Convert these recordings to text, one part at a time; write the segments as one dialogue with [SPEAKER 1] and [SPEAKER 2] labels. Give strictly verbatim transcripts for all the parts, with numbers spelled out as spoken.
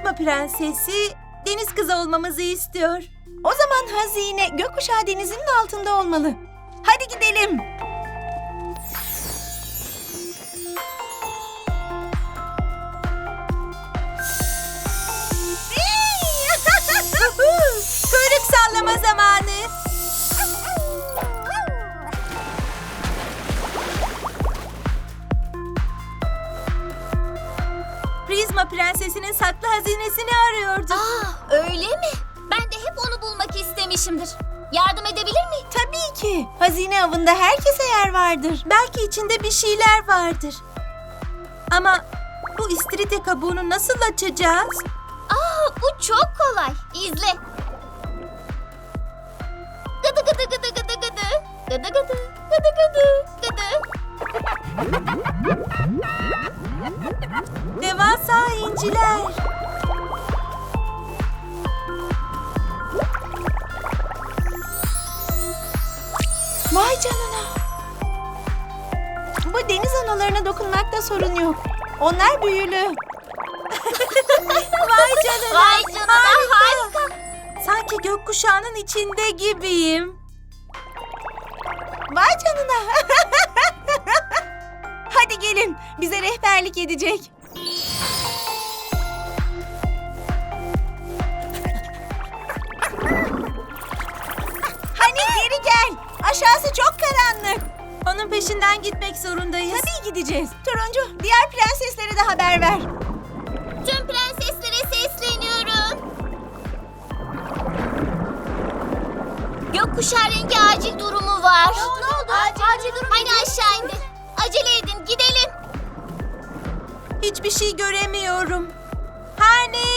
[SPEAKER 1] Prizma Prensesi deniz kızı olmamızı istiyor.
[SPEAKER 2] O zaman hazine gökkuşağı denizinin altında olmalı. Hadi gidelim.
[SPEAKER 1] Kuyruk sallama zamanı. Prizma Prensesi'nin saklı hazinesini arıyorduk.
[SPEAKER 3] Aa, öyle mi? Ben de hep onu bulmak istemişimdir. Yardım edebilir miyim?
[SPEAKER 2] Tabii ki. Hazine avında herkese yer vardır.
[SPEAKER 1] Belki içinde bir şeyler vardır. Ama bu istiridye kabuğunu nasıl açacağız?
[SPEAKER 3] Aa, bu çok kolay. İzle. Gıdı gıdı gıdı gıdı gıdı. Gıdı gıdı gıdı gıdı gıdı.
[SPEAKER 1] Devasa inciler.
[SPEAKER 2] Vay canına. Bu deniz analarına dokunmakta sorun yok. Onlar büyülü.
[SPEAKER 1] Vay canına.
[SPEAKER 3] Vay canına, harika.
[SPEAKER 1] Sanki gökkuşağının içinde gibiyim.
[SPEAKER 2] Vay canına. Hadi gelin. Bize rehberlik edecek. Hani geri gel. Aşağısı çok karanlık.
[SPEAKER 1] Onun peşinden gitmek zorundayız.
[SPEAKER 2] Tabii gideceğiz. Turuncu, diğer prenseslere de haber ver.
[SPEAKER 3] Tüm prenseslere sesleniyorum. Gökkuşağı rengi acil durumu var. Ne oldu? Acil, acil durum. Hani aşağı indi. Acele edin, gidelim.
[SPEAKER 1] Hiçbir şey göremiyorum. Hani?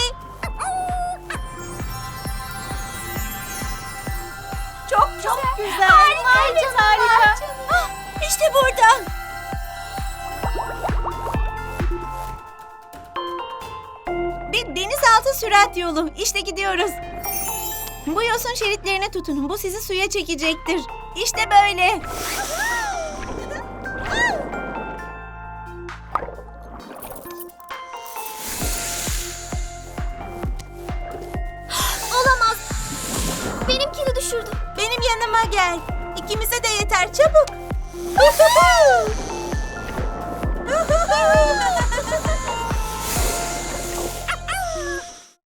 [SPEAKER 2] Çok çok güzel.
[SPEAKER 3] Harika,
[SPEAKER 2] Evet,
[SPEAKER 3] canım,
[SPEAKER 2] harika.
[SPEAKER 3] vay canına.
[SPEAKER 2] Ah, İşte burada. Bir denizaltı sürat yolu. İşte gidiyoruz. Bu yosun şeritlerine tutunun. Bu sizi suya çekecektir. İşte böyle.
[SPEAKER 3] Olamaz. Benimkini düşürdü.
[SPEAKER 1] Benim yanıma gel. İkimize de yeter, çabuk.